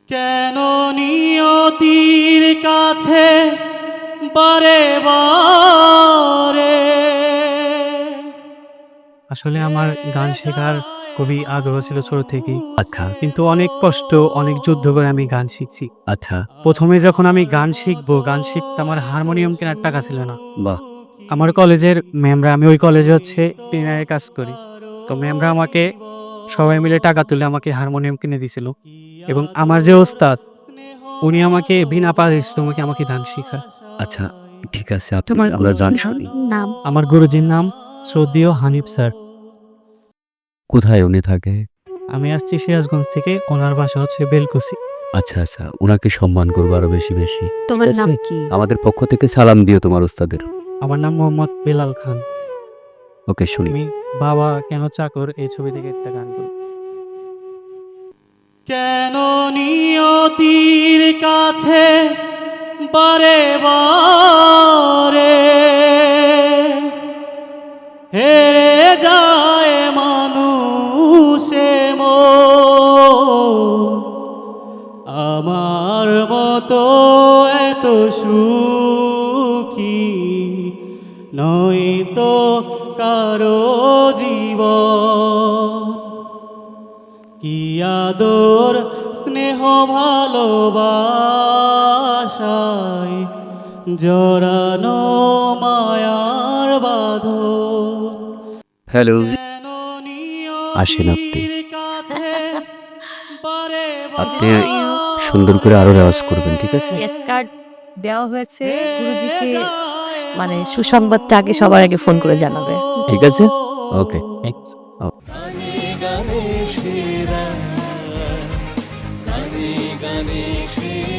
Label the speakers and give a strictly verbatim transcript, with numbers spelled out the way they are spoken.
Speaker 1: কেন নিয়তির কাছে বারে বারে।
Speaker 2: আসলে আমার গান শেখার খুবই আগ্রহ ছিল ছোট থেকেই। আচ্ছা, কিন্তু অনেক কষ্ট, অনেক যুদ্ধ করে আমি গান শিখছি। আচ্ছা, প্রথমে যখন আমি গান শিখবো, গান শিখতে আমার হারমোনিয়াম কেনার টাকা ছিল না। বাহ! আমার কলেজের ম্যামরা, আমি ওই কলেজে হচ্ছে ট্রেনারের কাজ করি। তো ম্যামরা আমাকে সবাই মিলে টাকা তুলে আমাকে হারমোনিয়াম কিনে দিছিল এবং আমার যে ওস্তাদ, উনি আমাকে বিনা পারিশ্রমিকে আমাকে গান শিখায়।
Speaker 3: আচ্ছা, ঠিক আছে। তোমার আমরা জানি শুনি।
Speaker 4: নাম
Speaker 2: আমার গুরুজির নাম শ্রদ্ধেয় হানিফ স্যার।
Speaker 3: কোথায় উনি থাকে?
Speaker 2: আমি আসছি সিরাজগঞ্জ থেকে, ওনার বাসা হচ্ছে বেলকুচি।
Speaker 3: আচ্ছা, আচ্ছা। উনাকে সম্মান করবো আরো বেশি, বেশি।
Speaker 4: তোমার
Speaker 3: ঠিক আছে?
Speaker 4: নাম কি?
Speaker 3: আমাদের পক্ষ থেকে সালাম দিও তোমার উস্তাদের।
Speaker 2: আমার নাম মোহাম্মদ বেলাল খান।
Speaker 3: ওকে, শুনি।
Speaker 2: আমি বাবা কেন চাকর এই ছবি থেকে একটা গান করি।
Speaker 1: কেন নিয়তির কাছে বারে বারে হেরে যায় মানুষে মন। আমার মতো এত সুখী নয়তো কারো জীবন। কি আদর স্নেহ ভালোবাসায় জড়ানো মায়ার বাঁধন।
Speaker 3: হ্যালো,
Speaker 1: যেন
Speaker 3: আসেন আপনি।
Speaker 1: নিয়তির কাছে বারে
Speaker 3: আপনি
Speaker 1: বারে
Speaker 3: সুন্দর করে আরো রেওয়াজ করবেন, ঠিক আছে?
Speaker 4: ইয়েস কার্ড দেওয়া হয়েছে গুরুজিকে, মানে সুসংবাদটা আগে সবার আগে ফোন করে জানাবে।
Speaker 3: ঠিক আছে? ওকে।
Speaker 2: থ্যাংকস।
Speaker 1: গানে গানে সেরা, গানে গানে সেরা।